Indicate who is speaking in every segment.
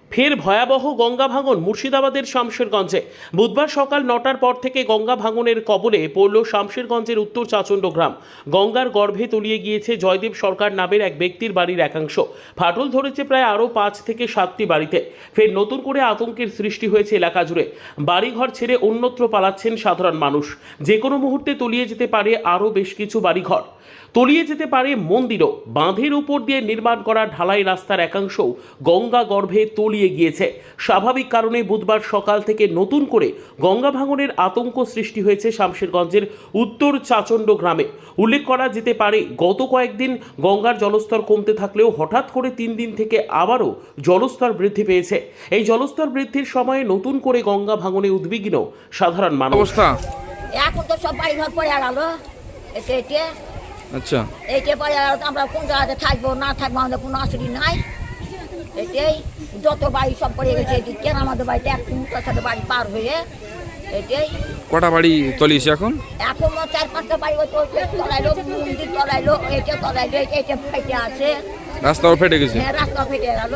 Speaker 1: ফের ভয়াবহ গঙ্গা ভাঙন মুর্শিদাবাদের শামশেরগঞ্জে। বুধবার সকাল 9টার পর থেকে গঙ্গা ভাঙনের কবলে পড়ল শামশেরগঞ্জের উত্তর চাচণ্ড গ্রাম। গঙ্গার গর্ভে তলিয়ে গিয়েছে জয়দেব সরকার নামের এক ব্যক্তির বাড়ির একাংশ। ফাটল ধরেছে প্রায় আরও 5 থেকে 7টি বাড়িতে। ফের নতুন করে আতঙ্কের সৃষ্টি হয়েছে এলাকা জুড়ে। বাড়িঘর ছেড়ে অন্যত্র পালাচ্ছেন সাধারণ মানুষ। যে কোনো মুহূর্তে তলিয়ে যেতে পারে আরও বেশ কিছু বাড়িঘর, তলিয়ে যেতে পারে মন্দিরও। বাঁধের উপর দিয়ে নির্মাণ করা ঢালাই রাস্তার একাংশও গঙ্গা গর্ভে তলিয়ে গিয়েছে। স্বাভাবিক কারণে বুধবার সকাল থেকে নতুন করে গঙ্গা ভাঙনের আতঙ্ক সৃষ্টি হয়েছে শামশেরগঞ্জের উত্তর চাচণ্ড গ্রামে। উল্লেখ করা যেতে পারে, গত কয়েকদিন গঙ্গার জলস্তর কমতে থাকলেও হঠাৎ করে 3 দিন থেকে আবারও জলস্তর বৃদ্ধি পেয়েছে। এই জলস্তর বৃদ্ধির সময়ে নতুন করে গঙ্গা ভাঙনে উদ্বিগ্ন সাধারণ মানুষ।
Speaker 2: অবস্থা
Speaker 3: এখন তো সব বাড়ি ঘর পড়ে গেল। এতে
Speaker 2: আচ্ছা,
Speaker 3: এইটা পড়ে গেল, আমরা কোন জায়গাতে থাকবো না থাকবো আমাদের কোনো আসরি নাই। এটাই যত বাড়ি সব পড়ে গেছে। এদিকে আমাদের বাড়িতে এক মুখের সাথে বাড়ি পার হয়ে এটাই
Speaker 2: কটা বাড়ি তলিয়েছে এখন?
Speaker 3: এখন 4-5টা বাড়ি তলাইলো, মন্দির তলাইলো, এটা তলাইলো, এটা ফেটে আছে,
Speaker 2: রাস্তাও ফেটে গেছে।
Speaker 3: হ্যাঁ রাস্তা ফেটে গেল।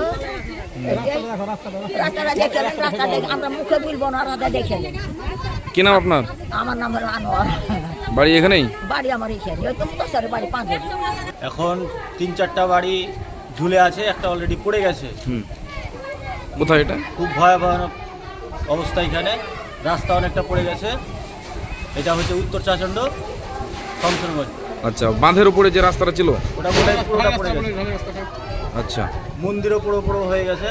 Speaker 3: রাস্তাটা দেখে রাস্তা দেখে আমরা মুখে বলবো না, রাস্তা দেখে নেন।
Speaker 2: কি নাম আপনার?
Speaker 3: আমার নাম হলো আনোয়ার।
Speaker 2: বাড়ি এখানেই?
Speaker 3: বাড়ি আমার এখানে, ওই তো মুখের বাড়ি 5 বাড়ি।
Speaker 4: এখন 3-4টা বাড়ি ঝুলে আছে, একটা অলরেডি পড়ে গেছে।
Speaker 2: কোথায় এটা?
Speaker 4: খুব ভয়াবহ অবস্থা এখানে। রাস্তা অনেকটা পড়ে গেছে। এটা হচ্ছে উত্তর চাচণ্ড শামশেরগঞ্জ।
Speaker 2: আচ্ছা, বাঁধের উপরে যে রাস্তাটা ছিল
Speaker 4: ওটা বলে পুরোটা পড়ে গেছে।
Speaker 2: আচ্ছা,
Speaker 4: মন্দিরও পুরো হয়ে গেছে।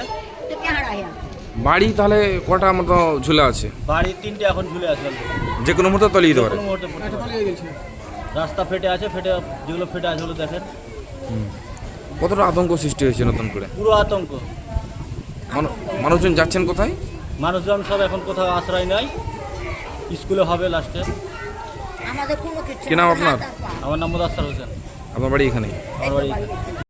Speaker 2: বাড়ি তাহলে কটা মতো ঝুলে আছে?
Speaker 4: বাড়ি 3টে এখন ঝুলে আছে already।
Speaker 2: যে কোনো মুহূর্তে তলিয়ে যেতে পারে।
Speaker 4: কোনো মুহূর্তে পড়তে পারে। রাস্তা ফেটে আছে, যেগুলো ফেটে আছে ওগুলো দেখেন।
Speaker 2: কতটা আতঙ্ক সৃষ্টি হয়েছে নতুন করে?
Speaker 4: পুরো আতঙ্ক।
Speaker 2: মানুষজন যাচ্ছেন কোথায়?
Speaker 4: মানুষজন সব এখন কোথাও আশ্রয় নাই, স্কুলে হবে লাস্টে।
Speaker 3: আমাদের কোনো কিছু
Speaker 2: কি নাম আপনার?
Speaker 4: আমার নাম মুদাস্সার হোসেন।
Speaker 2: আপনার বাড়ি এখানেই?
Speaker 4: আমার বাড়ি